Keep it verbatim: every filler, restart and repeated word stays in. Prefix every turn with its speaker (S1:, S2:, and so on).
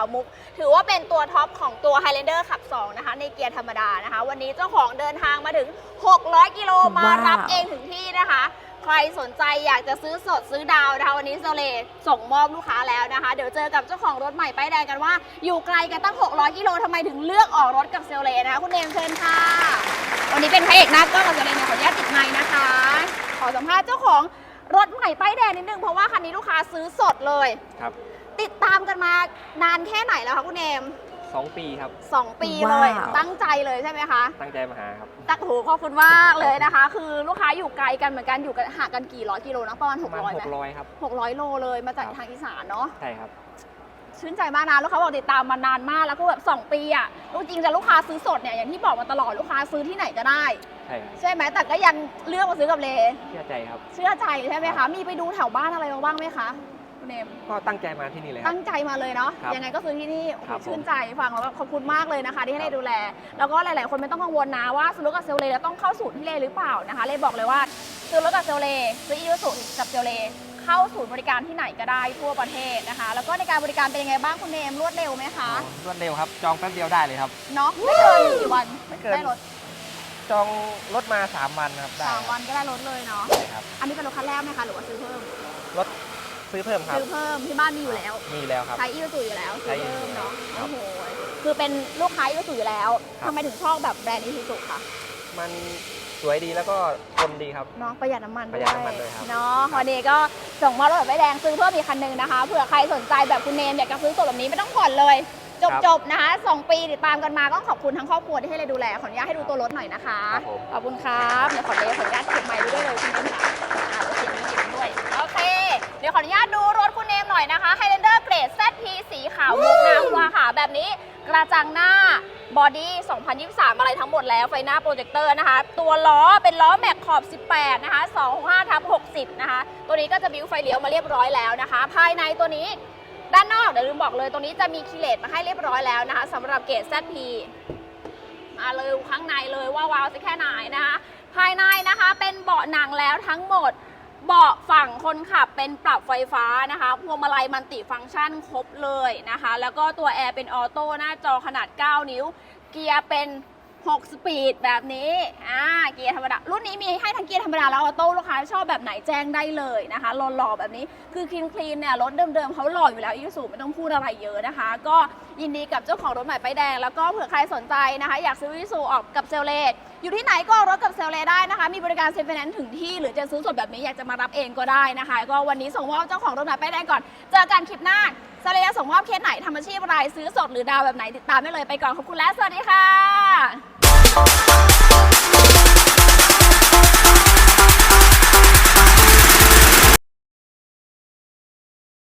S1: มุกถือว่าเป็นตัวท็อปของตัว Highlander ขับสองนะคะในเกียร์ธรรมดานะคะวันนี้เจ้าของเดินทางมาถึงหกร้อยกิโลมารับเองถึงที่นะคะใครสนใจอยากจะซื้อสดซื้อดาวนะคะวันนี้โซเลส่งมอบลูกค้าแล้วนะคะเดี๋ยวเจอกับเจ้าของรถใหม่ป้ายแดงกันว่าอยู่ไกลกันตั้งหกร้อยกิโลทำไมถึงเลือกออกรถกับเซเลนะคะคุณเนมเชิญค่ะวันนี้เป็นพระเอกหน้ากล้องกับเซเลเนี่ยขออนุญาตติดไมค์นะคะขอสัมภาษณ์เจ้าของรถใหม่ป้ายแดงนิดนึงเพราะว่าคันนี้ลูกค้าซื้อสดเลยครับติดตามกันมานานแค่ไหนแล้วคะคุณเนม
S2: สองปีครับ
S1: สองปีเลยตั้งใจเลยใช่ไหมคะ
S2: ตั้งใจมาหาครับ
S1: ตักหูขอบคุณมากเลยนะคะคือลูกค้าอยู่ไกลกันเหมือนกันอยู่กันห่างกันกี่ร้อยกิโลนะประมาณหกร้อยไหม
S2: หกร้อยครับ
S1: หกร้อยโลเลยมาจากทางอีสานเนาะ
S2: ใช่ครับ
S1: ชื่นใจมากนะลูกค้าบอกติดตามมานานมากแล้วก็แบบสองปีอ่ะลูกจริงจะลูกค้าซื้อสดเนี่ยอย่างที่บอกมาตลอดลูกค้าซื้อที่ไหนก็ได้
S2: ใช่
S1: ใช่ไหมแต่ก็ยังเลือกมาซื้อกับเล
S2: เชื่อใจครับ
S1: เชื่อใจใช่ไหมคะมีไปดูแถวบ้านอะไรมาบ้างไหมคะคุณเนม
S2: ก็ตั้งใจมาที่นี่เลย
S1: ตั้งใจมาเลยเนาะยังไงก็ซื้อที่นี่ชื่นใจฟังแล้วขอบคุณมากเลยนะคะที่ให้เลดูแลแล้วก็หลายๆคนไม่ต้องกังวลนะว่าซื้อรถกับเซลเลแล้วต้องเข้าศูนย์ที่เลหรือเปล่านะคะเลบอกเลยว่าซื้อรถกับเซลเลซื้ออีซูซูกับเซลเลเข้าศูนย์บริการที่ไหนก็ได้ทั่วประเทศนะคะแล้วก็ในการบริการเป็นยังไงบ้างคุณเนมรวดเร็วไหมคะ
S2: รวดเร็วครับจองแป๊บเดียวได้เลยครับ
S1: เนาะไม่เกินกี่วัน
S2: ไม่เกิน
S1: ได้รถ
S2: จองรถมาสามวันครับ
S1: สามวันก็ได้รถเลยเนาะ
S2: ใช่ครับ
S1: อันนี้เป็นรถคันแรกไหมคะหรือว่าซื้อเพิ่ม
S2: รถซื้อเพิ่มครับ
S1: ซื้อเพิ่มที่บ้านมีอยู่แล้ว
S2: มีแล้วครับ
S1: ใช้อีซูซูอยู่แล้วซื้อเพิ่มเนาะโอ้โหคือเป็นลูกค้าอีซูซูอยู่แล้วทำไมถึงชอบแบบแบรนด์อีซูซูคะ
S2: มันสวยดีแล้วก็ทนดีครับ
S1: เนาะประหยัดน้ำมัน
S2: ประหยัดน้ำมันเลยครับ
S1: เนาะวันนี้ก็ส่งมารถแบบไม่แดงซื้อเพิ่มอีกคันหนึ่งนะคะเผื่อใครสนใจแบบคุณเนมอยากจะซื้อสดแบบนี้ไม่ต้องผ่อนเลยจบๆนะคะสองปีติดตามกันมาก็ขอบคุณทั้งครอบครัวที่ให้เราดูแลขออนุญาตให้ดูตัวรถหน่อยนะคะขอบคุณครับเดี๋ยวขอเดขออนุญาตเก็บไมค์ด้วยเลยคุณเนมค่ะอ่าเก็บนี้เก็บด้วยโอเคเดี๋ยวขออนุญาตดูรถคุณเนมหน่อยนะคะ Highlander เกรด แซด พี สีขาวมุกน้ำวาค่ะแบบนี้กระจังหน้าบอดี้สองพันยี่สิบสามอะไรทั้งหมดแล้วไฟหน้าโปรเจคเตอร์นะคะตัวล้อเป็นล้อแม็กขอบสิบแปดนะคะสองหกห้าทับหกสิบนะคะตัวนี้ก็จะบิ้วไฟเลี้ยวมาเรียบร้อยแล้วนะคะภายในตัวนี้ด้านนอกเดี๋ยวลืมบอกเลยตรงนี้จะมีคีเลตมาให้เรียบร้อยแล้วนะคะสำหรับเกรด แซด พี มาเลยข้างในเลยว่าวาวจะแค่ไหนนะคะภายในนะคะเป็นเบาะหนังแล้วทั้งหมดเบาะฝั่งคนขับเป็นปรับไฟฟ้านะคะพวงมาลัยมัลติฟังก์ชันครบเลยนะคะแล้วก็ตัวแอร์เป็นออโต้หน้าจอขนาดเก้านิ้วเกียร์เป็นหกสปีดแบบนี้อ่าเกียร์ธรรมดารุ่นนี้มีให้ทั้งเกียร์ธรรมดาแล้วออโต้ลูกค้าชอบแบบไหนแจ้งได้เลยนะคะหล่อๆแบบนี้คือคลีนคลีนเนี่ยรถเดิมๆเขาหล่ออยู่แล้วอีซูซูไม่ต้องพูดอะไรเยอะนะคะก็ยินดีกับเจ้าของรถใหม่ป้ายแดงแล้วก็เผื่อใครสนใจนะคะอยากซื้ออีซูซูออกกับเซลเลตอยู่ที่ไหนก็รถกับเซลเลได้นะคะมีบริการเซ็นไฟแนนซ์ถึงที่หรือจะซื้อสดแบบนี้อยากจะมารับเองก็ได้นะคะก็วันนี้ส่งมอบเจ้าของรถใหม่ป้ายแดงก่อนเจอกันคลิปหน้าเซลเลตส่งมอบเคสไหนทำอาชีพอะไรซื้อสดหรือดาวแบบไหนติดตามได้เลยไปก่อนขอบคุณและสวัสดีค่ะ